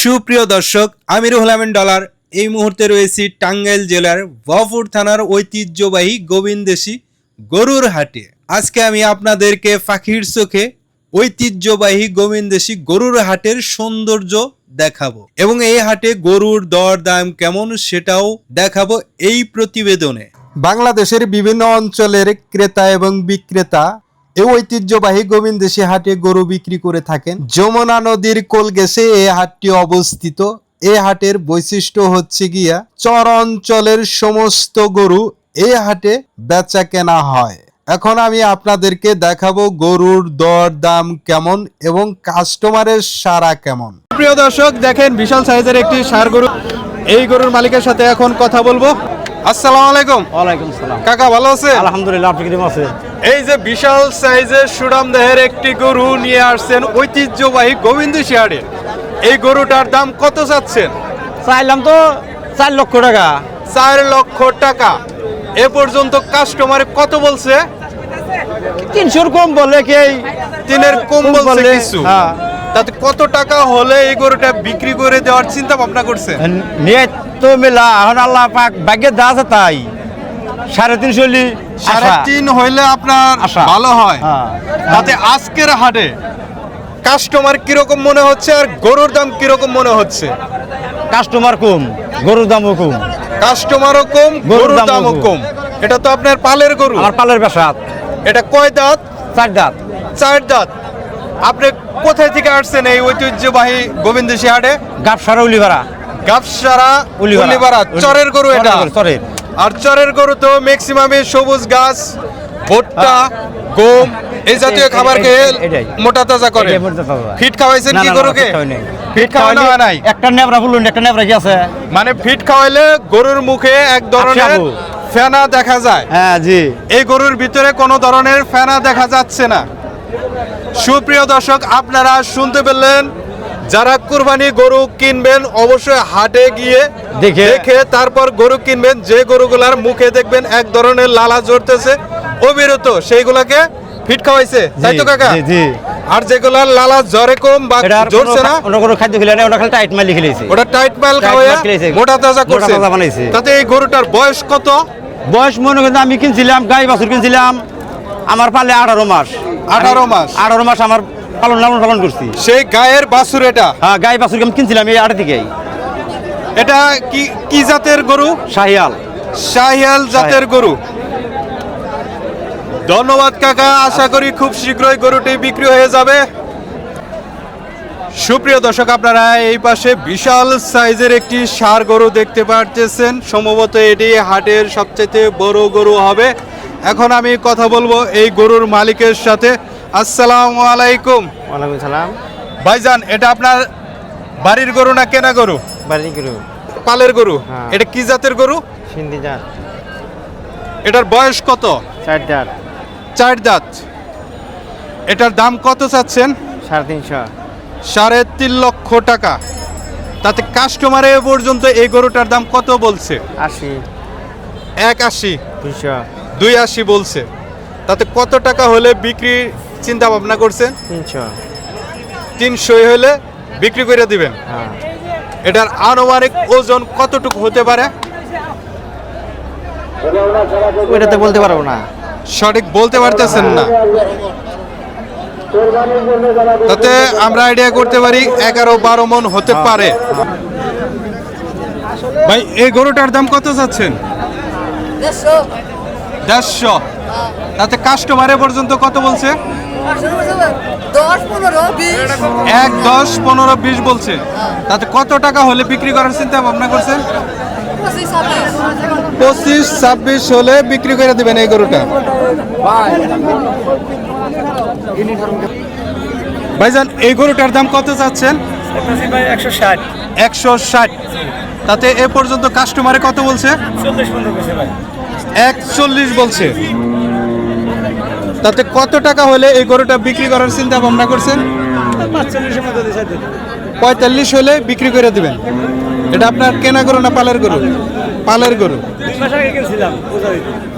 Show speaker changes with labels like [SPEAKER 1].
[SPEAKER 1] সুপ্রিয় দর্শক, আমি রুহুল আমিন ডলার এই মুহূর্তে রয়েছি টাঙ্গাইল জেলার ভবাপুর থানার ঐতিহ্যবাহী গোবিন্দেশী গরুর হাটে। আজকে আমি আপনাদেরকে পাখির চোখে ঐতিহ্যবাহী গোবিন্দেশী গরুর হাটের সৌন্দর্য দেখাবো এবং এই হাটে গরুর দর দাম কেমন সেটাও দেখাবো এই প্রতিবেদনে। বাংলাদেশের বিভিন্ন অঞ্চলের ক্রেতা এবং বিক্রেতা এই ঐতিহ্যবাহী গোবিন্দেশী হাটে গরু বিক্রি করে থাকেন। যমুনা নদীর কোল ঘেঁষে এই হাটটি অবস্থিত। এই হাটের বৈশিষ্ট্য হচ্ছে গিয়া চর অঞ্চলের সমস্ত গরু এই হাটে বেচা কেনা হয়। এখন আমি আপনাদেরকে দেখাবো গরুর দর দাম কেমন এবং কাস্টমারের সাড়া কেমন। প্রিয় দর্শক, দেখেন বিশাল সাইজের একটি ষাঁড় গরু। এই গরুর মালিকের সাথে এখন কথা বলবো। আসসালামু আলাইকুম।
[SPEAKER 2] ওয়ালাইকুম আসসালাম।
[SPEAKER 1] কাকা ভালো আছেন?
[SPEAKER 2] আলহামদুলিল্লাহ, আপনি কেমন আছেন?
[SPEAKER 1] এই যে বিশাল সাইজের সুরাম দেহের একটি গরু নিয়ে আসছেন ঐতিহ্যবাহী গোবিন্দেশী হাটে, এই গরুটার দাম কত চাচ্ছেন?
[SPEAKER 2] চাইলাম তো 4 লক্ষ টাকা।
[SPEAKER 1] 4 লক্ষ টাকা। এ পর্যন্ত কাস্টমার কত বলছে?
[SPEAKER 2] 300 কম বলে কি?
[SPEAKER 1] 3-এর কম বলছে কিছু।
[SPEAKER 2] হ্যাঁ।
[SPEAKER 1] তাতে কত টাকা হলে এই গরুটা বিক্রি করে দেওয়ার চিন্তা ভাবনা করছেন?
[SPEAKER 2] নিয়ে তো মেলা এখন আল্লাহ পাক ভাগ্যে দা আছে তাই 3.5
[SPEAKER 1] 3.5 হইলে আপনার
[SPEAKER 2] আশা।
[SPEAKER 1] ভালো হয়।
[SPEAKER 2] হ্যাঁ।
[SPEAKER 1] তাতে আজকের হাটে কাস্টমার কিরকম মনে হচ্ছে আর গরুর দাম কিরকম মনে হচ্ছে?
[SPEAKER 2] কাস্টমার কম, গরুর দামও কম।
[SPEAKER 1] কাস্টমারও কম, গরুর দামও কম। এটা তো আপনার পালের গরু।
[SPEAKER 2] আমার পালের বাসা।
[SPEAKER 1] এটা কয় দাঁত?
[SPEAKER 2] 4 দাঁত।
[SPEAKER 1] 4 দাঁত। আপনি কোথায় থেকে আসছেন এই ঐতিহ্যবাহী গোবিন্দেশী হাটে?
[SPEAKER 2] গাবসারা উলিপাড়া।
[SPEAKER 1] গাবসারা উলিপাড়া। চরের গরু এটা।
[SPEAKER 2] চরের।
[SPEAKER 1] আর চরের গরু তো ম্যাক্সিমামই সবুজ ঘাস, ভুট্টা, গম এই জাতীয় খাবার খেয়ে মোটা তাজা করে। ফিট খাওয়াইছেন কি গরুকে? ফিট খাওয়ানো হয় নাই।
[SPEAKER 2] একটা নেবরা বলুন, একটা নেবরা কি আছে?
[SPEAKER 1] মানে ফিট খাওয়াইলে গরুর মুখে এক ধরনের ফেনা দেখা যায়।
[SPEAKER 2] হ্যাঁ জি।
[SPEAKER 1] এই গরুর ভিতরে কোনো ধরনের ফেনা দেখা যাচ্ছে না। সুপ্রিয় দর্শক, আপনারা শুনতে পেলেন, যারা কুরবানি গরু কিনবেন অবশ্যই হাটে গিয়ে দেখে তারপর গরু কিনবেন। যে গরুগুলার মুখে দেখবেন এক ধরনের লালা ঝরতেছে অবিরত, সেইগুলাকে ফিট খাওয়াইছে, তাই তো কাকা?
[SPEAKER 2] জি।
[SPEAKER 1] আর যেগুলার লালা জ্বরে কম বা জ্বরছে না,
[SPEAKER 2] ওটা কোনো খাদ্য খেলে না, ওটা খালি টাইট মাল লিখেছে।
[SPEAKER 1] ওটা টাইট মাল খাওয়ায়া মোটা তাজা করছে। তাতে এই গরুটার বয়স কত?
[SPEAKER 2] বয়স মনে করেন আমি কিনছিলাম, গাই বাছুর কিনছিলাম, আমার পালে 18 মাস।
[SPEAKER 1] 18 মাস?
[SPEAKER 2] 18 মাস আমার লালন পালন করছি।
[SPEAKER 1] সেই গায়ের বাছুর এটা?
[SPEAKER 2] হ্যাঁ, গাই বাছুর আমি কিনছিলাম এই 8 থেকে।
[SPEAKER 1] এটা কি জাতের গরু?
[SPEAKER 2] শাহিয়াল।
[SPEAKER 1] শাহিয়াল জাতের গরু। ধন্যবাদ কাকা, আশা করি খুব শীঘ্রই গরুটি বিক্রি হয়ে যাবে। সুপ্রিয় দর্শক, আপনারা এই পাশে বিশাল সাইজের একটি ষাঁড় গরু দেখতে পাচ্ছেন। সম্ভবত এটি হাটের সবচেয়ে বড় গরু হবে। এখন আমি কথা বলবো এই গরুর মালিকের সাথে। আসসালামু আলাইকুম।
[SPEAKER 2] ওয়ালাইকুম সালাম।
[SPEAKER 1] ভাইজান, এটা আপনার বাড়ির গরু না কেনা গরু?
[SPEAKER 2] বাড়ির গরু।
[SPEAKER 1] পালের গরু?
[SPEAKER 2] হ্যাঁ।
[SPEAKER 1] এটা কি জাতের গরু?
[SPEAKER 2] সিন্ধি জাত।
[SPEAKER 1] এটার বয়স কত?
[SPEAKER 2] 4 দাঁত।
[SPEAKER 1] 4 দাঁত। এটার দাম কত চাচ্ছেন?
[SPEAKER 2] 3.5।
[SPEAKER 1] 3.5 লক্ষ টাকা। তাতে কাস্টমারে এ পর্যন্ত এই গরুটার দাম কত বলছে?
[SPEAKER 2] 80।
[SPEAKER 1] 180।
[SPEAKER 2] 200।
[SPEAKER 1] 280 বলছে। তাতে কত টাকা হলে বিক্রি চিন্তা ভাবনা করছেন?
[SPEAKER 2] 300।
[SPEAKER 1] 300 হলে বিক্রি করে দিবেন।
[SPEAKER 2] হ্যাঁ।
[SPEAKER 1] এটার আনুমানিক ওজন কতটুকু হতে পারে?
[SPEAKER 2] ওইটা তো বলতে পারবো না।
[SPEAKER 1] সঠিক বলতে পারতেছেন না। তাতে আমরা আইডিয়া করতে পারি 11-12 মণ হতে পারে। ভাই, এই গরুটার দাম কত চাচ্ছেন? 150। তাতে কাস্টমারে পর্যন্ত কত বলছে? 10-15-20 বলছে। তাতে কত টাকা হলে বিক্রি করার চিন্তা ভাবনা করছেন? 25-26 হলে বিক্রি করে দিবেন এই গরুটা। ভাইজান, এই গরুটার দাম কত চাচ্ছেন?
[SPEAKER 2] 160।
[SPEAKER 1] 160। তাতে এ পর্যন্ত কাস্টমারে কত বলছে? 41 বলছে। তাতে কত টাকা হলে এই গরুটা বিক্রি করার চিন্তা ভাবনা করছেন? 45 হলে বিক্রি করে দিবেন। এটা আপনার কেনা গরু না পালের গরু? পালের গরু।
[SPEAKER 2] 2 মাস আগে কিনছিলাম।